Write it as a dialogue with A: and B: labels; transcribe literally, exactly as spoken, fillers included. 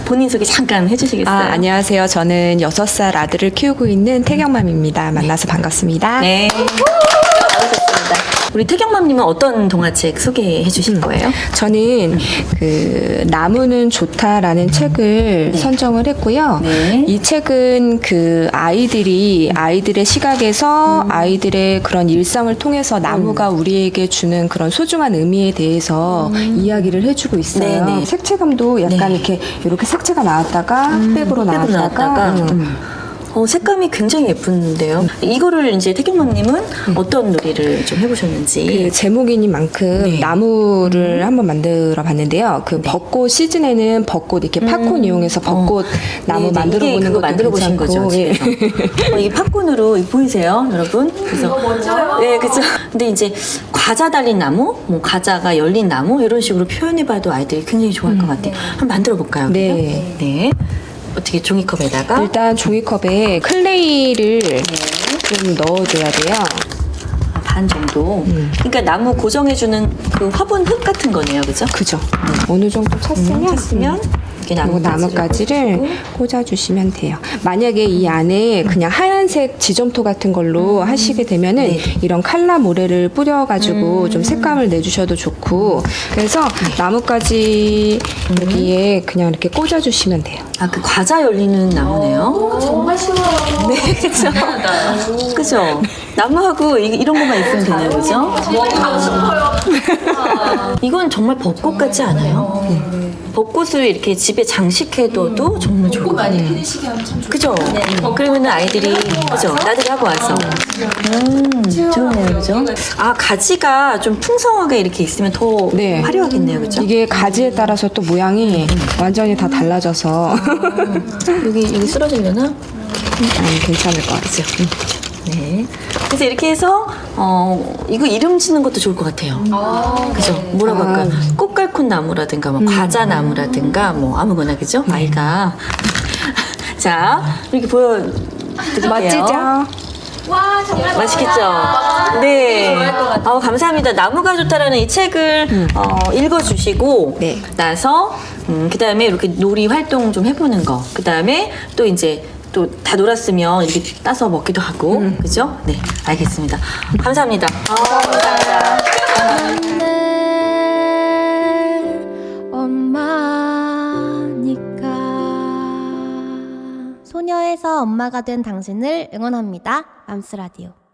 A: 본인 소개 잠깐 해주시겠어요?
B: 아, 안녕하세요. 저는 여섯 살 아들을 키우고 있는 태경맘입니다. 만나서 반갑습니다.
A: 네. 잘하셨습니다. 우리 태경맘님은 어떤 동화책 소개해 주실 거예요?
B: 저는 그 나무는 좋다라는 책을
A: 네.
B: 선정을 했고요.
A: 네.
B: 이 책은 그 아이들이 아이들의 시각에서
A: 음.
B: 아이들의 그런 일상을 통해서 나무가 우리에게 주는 그런 소중한 의미에 대해서 이야기를 해주고 있어요.
A: 음. 네, 네.
B: 색채감도 약간
A: 네.
B: 이렇게 이렇게 색채가 나왔다가
A: 음,
B: 백으로
A: 흑백으로
B: 나왔다가,
A: 나왔다가.
B: 음.
A: 음. 어, 색감이 굉장히 예쁜데요. 이거를 이제 태경맘님은 어떤 놀이를 좀 해보셨는지.
B: 그 제목이니만큼
A: 네.
B: 나무를 한번 만들어 봤는데요. 그 벚꽃 시즌에는 벚꽃 이렇게 팝콘 이용해서 벚꽃
A: 어.
B: 나무
A: 네네.
B: 만들어
A: 이게
B: 보는
A: 그거
B: 것도
A: 만들어 보신
B: 괜찮고,
A: 거죠,
B: 예.
A: 집에서. 어, 이게 팝콘으로 이거 보이세요, 여러분? 그래서 멋져요. 네, 그죠. 근데 이제 과자 달린 나무, 뭐 과자가 열린 나무 이런 식으로 표현해봐도 아이들이 굉장히 좋아할 것 같아요. 한번 만들어 볼까요?
B: 네.
A: 네. 어떻게 종이컵에다가
B: 일단 종이컵에 클레이를 좀 넣어줘야 돼요.
A: 아, 반 정도. 그러니까 나무 고정해주는 그 화분 흙 같은 거네요, 그죠?
B: 그죠? 어느 정도 찼으면,
A: 음, 찼으면 이렇게
B: 그리고
A: 나뭇가지를
B: 나뭇가지를 꽂아주시면 돼요. 만약에 이 안에 그냥 하얀색 지점토 같은 걸로 하시게 되면은
A: 네.
B: 이런 칼라 모래를 뿌려가지고 좀 색감을 내주셔도 좋고, 그래서 나뭇가지 여기에 그냥 이렇게 꽂아주시면 돼요.
A: 아, 그 과자 열리는 나무네요.
C: 정말 쉬워요.
A: 네, 그죠. 그죠. 나무하고 이, 이런 것만 있으면 되네요, 그죠?
C: 하고 싶어요.
A: 이건 정말 벚꽃 같지 않아요? 네. 벚꽃을 이렇게 집에 장식해둬도 정말 좋을 것
C: 많이
A: 같아요.
C: 피드시게 하면 참 좋겠다.
A: 그죠? 그러면은 아이들이, 그죠? 나들이 하고 와서. 음, 좋네요, 그죠? 아, 가지가 좀 풍성하게 이렇게 있으면 더
B: 네.
A: 화려하겠네요, 그죠?
B: 이게 가지에 따라서 또 모양이 완전히 다 달라져서
A: 여기, 여기 쓰러지려나?
B: 음, 괜찮을 것 같아요.
A: 네. 그래서 이렇게 해서, 어, 이거 이름 짓는 것도 좋을 것 같아요. 그죠? 뭐라고
B: 아.
A: 할까요? 꽃갈콘 나무라든가, 뭐, 과자 나무라든가, 뭐, 아무거나, 그죠? 아이가. 자, 이렇게 보여드릴게요.
B: 멋지죠?
C: 와 정말
A: 맛있겠죠? 네. 어, 감사합니다. 나무가 좋다라는 이 책을 어, 읽어주시고
B: 네.
A: 나서 음, 그 다음에 이렇게 놀이 활동 좀 해보는 거. 그 다음에 또 이제 또 다 놀았으면 이렇게 따서 먹기도 하고, 그죠? 네, 알겠습니다. 감사합니다. 아, 감사합니다.
D: 엄마니까 소녀에서 엄마가 된 당신을 응원합니다. 맘스라디오.